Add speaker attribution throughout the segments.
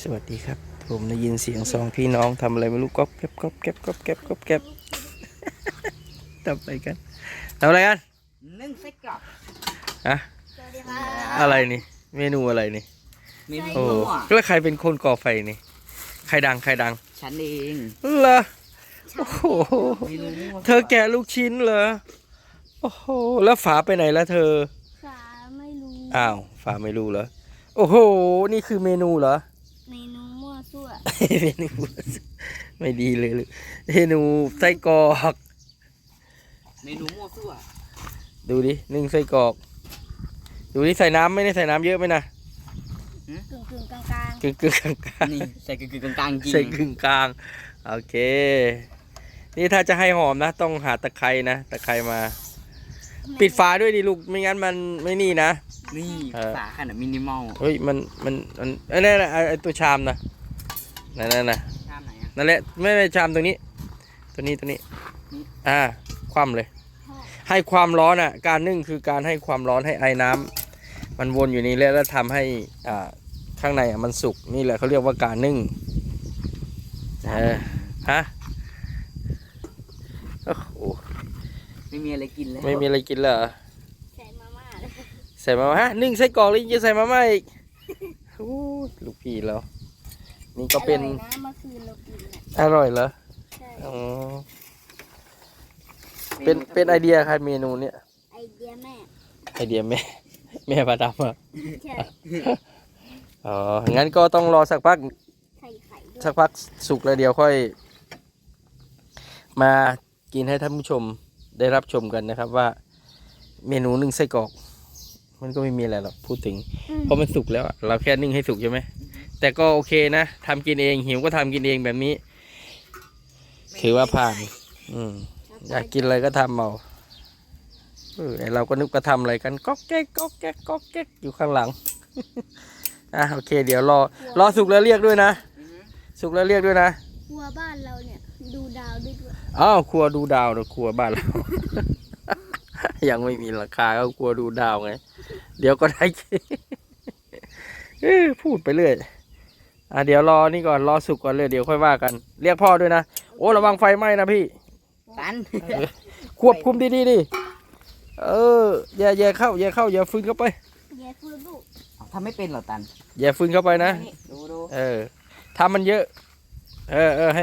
Speaker 1: วัสดีครับผมได้ยินเสียงสองพี่น้องทำอะไรไม่รู้ก๊อบแก๊บก๊อบแก๊บก๊อบแก๊บก๊อบแก๊บทำอะไรกัน
Speaker 2: นึ่งไส้กรอก
Speaker 1: อะ
Speaker 3: สวัสดีค่ะ
Speaker 1: อะไรนี่เมนูอะไรนี่
Speaker 2: เมนู
Speaker 1: โอ้
Speaker 2: มั่ว
Speaker 1: แล้วใครเป็นคนก่อไฟนี่ใครดัง
Speaker 2: ฉันเอง
Speaker 1: เหรอโอ้โห
Speaker 2: เมนูมั่ว
Speaker 1: เธอแกะลูกชิ้นเหรอโอ้โหแล้วฝาไปไหนแล้วเธอ
Speaker 3: ขาไม่รู้
Speaker 1: อ้าวฝาไม่รู้เหรอโอ้โหนี่คือเมนูเหรอ
Speaker 3: เมนูมั่วซั่ว
Speaker 1: เมนูไม่ดีเลยเมนูไส้กรอก
Speaker 2: เมนูมั่วซั่ว
Speaker 1: ดูดินึ่งไส้กรอกดูดิใส่น้ำไม่ได้ใส่น้ำเยอะไหมนะ
Speaker 3: กึ่งกลาง
Speaker 1: กึ่งกลาง
Speaker 2: นี่ใส่กึ่งกลางๆจริง
Speaker 1: ใส่กึ่งกลางโอเค นี่ถ้าจะให้หอมนะ ต้องหาตะไคร้นะตะไคร้มา
Speaker 3: ๆ
Speaker 1: ปิดฝาด้วยดิลูกไม่งั้นมันไม่นี่นะ
Speaker 2: นี่
Speaker 1: เออ
Speaker 2: ฝาขนาดมินิมอล
Speaker 1: เฮ้ยมันไอ้นั่นน่ะไอ้ตัวชามนะนั่นน่ะ
Speaker 2: ชามไหนอ่ะ
Speaker 1: นั่นแหละไม่ชามตรงนี้ ตัวนี้อ่าคว่ำเลย ให้ความร้อนอ่ะ การนึ่งคือการให้ความร้อนให้ไอ้น้ำมันวนอยู่นี่แล้วทำให้ข้างในมันสุกนี่แหละเขาเรียกว่าการนึ่งฮะโอ้โห
Speaker 2: ไม่มีอะไรกินแล้ว
Speaker 1: ไม่มีอะไรกินเหรอ
Speaker 3: ใส่มาม่าเลย
Speaker 1: ใส่มาม่าฮะนึ่งไส้กรอกแล้วยังจะใส่มาม่าอีกโอ้ลูกพี่แล้วนี่ก็เป็น
Speaker 3: อร่อยนะเมื่อคืนเรากินน่ะ
Speaker 1: อร่อยเหรอ
Speaker 3: ใช่
Speaker 1: อ๋อเป็นไอเดียใครเมนูเนี้ย
Speaker 3: ไอเดียแม่
Speaker 1: ไอเดียแม่ แม่ประดับอ่ะ
Speaker 3: ใช่
Speaker 1: อ๋องั้นก็ต้องรอสักพัก
Speaker 3: ไข่ไข่ด้วย
Speaker 1: สักพักสุกแล้วเดี๋ยวค่อย มากินให้ท่านผู้ชมได้รับชมกันนะครับว่า เมนูนึ่งไส้กรอก มันก็ไม่มีอะไรหรอกพูดถึง เพราะมันสุกแล้วอะเราแค่นึ่งให้สุกใช่ไหมแต่ก็โอเคนะทำกินเองหิวก็ทำกินเองแบบนี้ ถือว่าผ่าน อยากกินอะไรก็ทำเอาไอ้เราก็นึกว่าทำอะไรกันก๊อกแก๊กก๊อกแก๊กก๊อกแก๊กอยู่ข้างหลัง โอเค เดี๋ยวรอสุกแล้วเรียกด้วยนะ สุกแล้วเรียกด้วยนะ
Speaker 3: ครัวบ้านเราเนี่ยดูดาวด้วย
Speaker 1: อ้าวครัวดูดาวเดี๋ยวครัวบ้านเรา ยังไม่มีราคาก็ครัวดูดาวไง เดี๋ยวก็ได้ พูดไปเรื่อยเดี๋ยวรอนี่ก่อนรอสุกก่อนเลยเดี๋ยวค่อยว่ากัน เรียกพ่อด้วยนะโอ้ระวังไฟไหม้นะพี่
Speaker 2: ตัน
Speaker 1: ควบคุมดีๆดิอย่าเข้าอย่าฟื้นเข้าไป
Speaker 3: แย่คือลูก
Speaker 2: ทำไม่เป็นเหรอตัน
Speaker 1: อย่าฟื้นเข้าไปนะ
Speaker 2: ดู
Speaker 1: ถ้ามันเยอะ ให้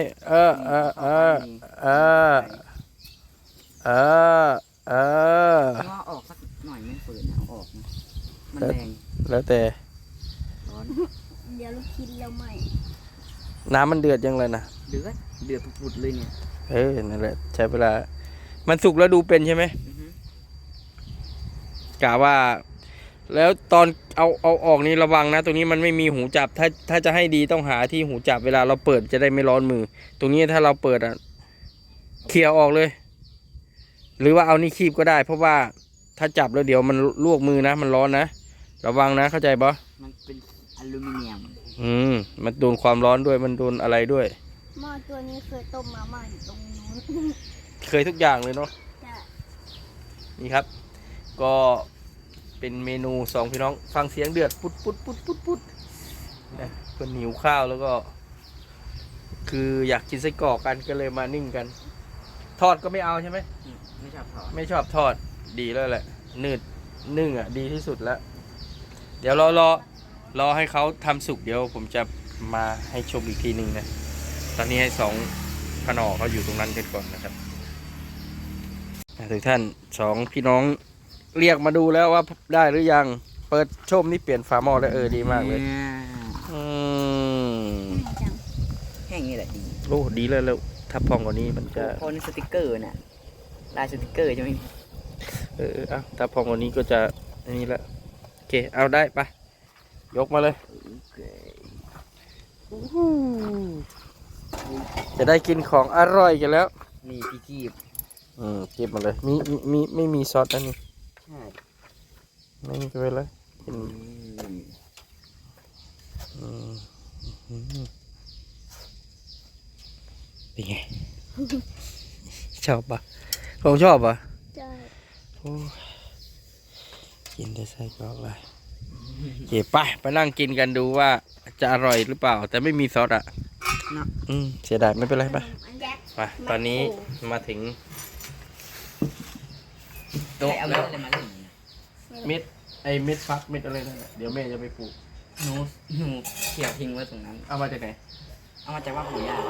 Speaker 2: ว่าออกสักหน่อยไม่ฝืนเอาออกนะมันแรง
Speaker 1: แล้วแต่
Speaker 2: ร้อน
Speaker 3: เดี๋ยวลูกชิ้นเราใหม่
Speaker 1: น้ำมันเดือดยังเลยนะ
Speaker 2: เดือดปุดๆเลยเนี่ย
Speaker 1: นั่นแหละใช้เวลา มันสุกแล้วดูเป็นใช่ไหม
Speaker 2: อือฮึ
Speaker 1: กะว่า แล้วตอนเอาออกนี่ระวังนะ ตรงนี้มันไม่มีหูจับ ถ้าจะให้ดีต้องหาที่หูจับเวลาเราเปิดจะได้ไม่ร้อนมือ ตรงนี้ถ้าเราเปิดเคลียร์ออกเลย หรือว่าเอานี่คีบก็ได้ เพราะว่าถ้าจับแล้วเดี๋ยวมันลวกมือนะมันร้อนนะระวังนะเข้าใจปะ
Speaker 2: มันเป็นอลูมิเนียม
Speaker 1: มันโดนความร้อนด้วยมันโดนอะไรด้วย
Speaker 3: หม้อตัวนี้เคยต้มมาม่าอยู่ตรงนู้น
Speaker 1: เคยทุกอย่างเลยเนาะ
Speaker 3: จะ
Speaker 1: นี่ครับ ก็เป็นเมนูสองพี่น้องฟังเสียงเดือดปุ๊ดนะเพื่อนหิวข้าวแล้วก็ คืออยากกินไส้กรอกกันก็เลยมานึ่งกัน ทอดก็ไม่เอาใช่ไหม
Speaker 2: ไม่ชอบถอด
Speaker 1: ไม่ชอบทอดดีแล้วแหละนึ่งดีที่สุดแล้ว เดี๋ยวรอให้เขาทำสุกเดี๋ยวผมจะมาให้ชมอีกทีหนึ่งนะตอนนี้ให้สองพนอเขาอยู่ตรงนั้นกันก่อนนะครับทุกท่านสองพี่น้องเรียกมาดูแล้วว่าได้หรือยังเปิดชมนี่เปลี่ยนฝาหม้อแล้วดีมากเลย
Speaker 3: จัง
Speaker 2: แค่นี้แหละดี
Speaker 1: โอ้ดีเลยแล้วถ้าพองกว่านี้มันจะ
Speaker 2: พอในสติกเกอร์น่ะลายสติกเกอร์จะไม่มี
Speaker 1: ถ้าพองกว่านี้ก็จะอันนี้ละโอเคเอาได้ปะยกมาเลยจะได้กินของอร่อยกันแล้ว
Speaker 2: นี่พี่กีบ
Speaker 1: เก็บมาเลยมีไม่มีซอสอันนี้
Speaker 2: ใช่
Speaker 1: ไม่มีก็ไปเลยกินเป็นไง ชอบปะผมชอบปะ
Speaker 3: ใช่
Speaker 1: โอ้ยกินได้ไส้กรอกเลยเก็บไปนั่งกินกันดูว่าจะอร่อยหรือเปล่า แต่ไม่มีซอสอ่ะ
Speaker 2: เนาะ
Speaker 1: เสียดายไม่เป็นไรปะ
Speaker 3: แจ็ค
Speaker 1: ไปตอนนี้มาถึง
Speaker 2: โต๊ะ
Speaker 1: โต๊ะ
Speaker 2: เอา
Speaker 1: แล้ว
Speaker 2: อะไรมาเล่น
Speaker 1: เม็ดเม็ดฟักเม็ดอะไรนั่นน่ะเดี๋ยวแม่จะไปปลูก
Speaker 2: หนูเขี่ยทิ้งไว้ตรงนั้น
Speaker 1: เอามาจากไหน
Speaker 2: เอามาจากว่าปู่ย่า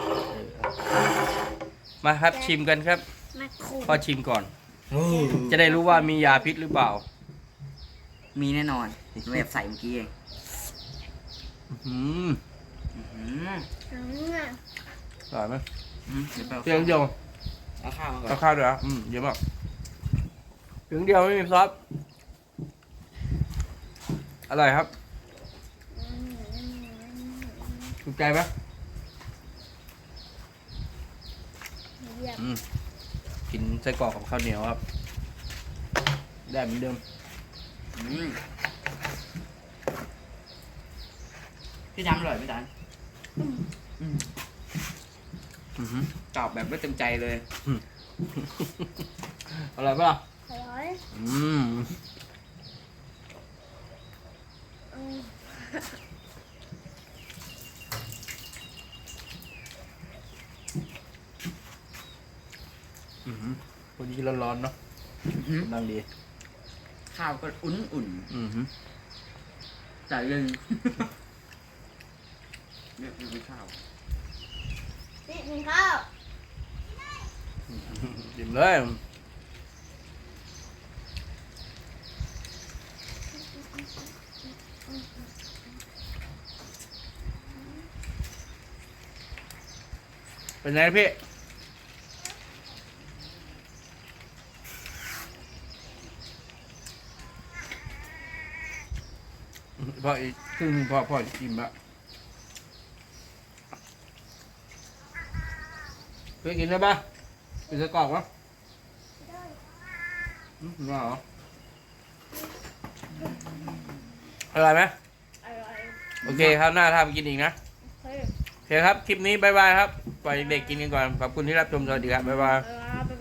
Speaker 1: มาครับชิมกันครับ
Speaker 3: มาคู
Speaker 1: พ่อชิมก่อน จะได้รู้ว่ามียาพิษหรือเปล่า
Speaker 2: มีแน่นอนแบบใส่เมื่อกี้เอง
Speaker 1: อืม
Speaker 2: อื้อหือ
Speaker 1: อร่อยไหม
Speaker 2: เดี๋ยวไป
Speaker 1: เพียงเดียว
Speaker 2: เอาข้าวมาก่อ
Speaker 1: เอา
Speaker 2: น
Speaker 1: ข้าวด้วยอ่ะเยอะมากเพียงเดียวไม่มีซอสอร่อยครับถูกใจไหม
Speaker 3: เยี่ยม
Speaker 1: กินไส้กรอกกับข้าวเหนียวครับได้เหมือนเดิม
Speaker 2: อืมพี่ทำอร่อยไหมจ๊ะตอบแบบไม่เต็มใจเลย
Speaker 1: อร่อยปะล่ะ
Speaker 3: อร่อย
Speaker 1: วันนี้ร้อนๆเนาะนั่งดี
Speaker 2: ข้าวก็อุ่นๆแต่ยังเนี่ยคือข้าว
Speaker 3: นี่กินข้าว
Speaker 1: ดิ่มเลยเป็นไงพี่พออีกครึ่งหนึ่งพ่อจะกินละเพื่อกินได้ปะกินไส้กรอกปะน่าเหรออร่อยไหม
Speaker 3: อร่อย
Speaker 1: โอเคครับหน้าทำกินอีกนะ
Speaker 3: เฮ้ย
Speaker 1: โอเคครับ คลิปนี้บายบายครับ ปล่อยเด็กๆกินกันก่อน ขอบคุณที่รับชม สวัสดีครับ บ๊ายบาย
Speaker 3: บ๊ายบ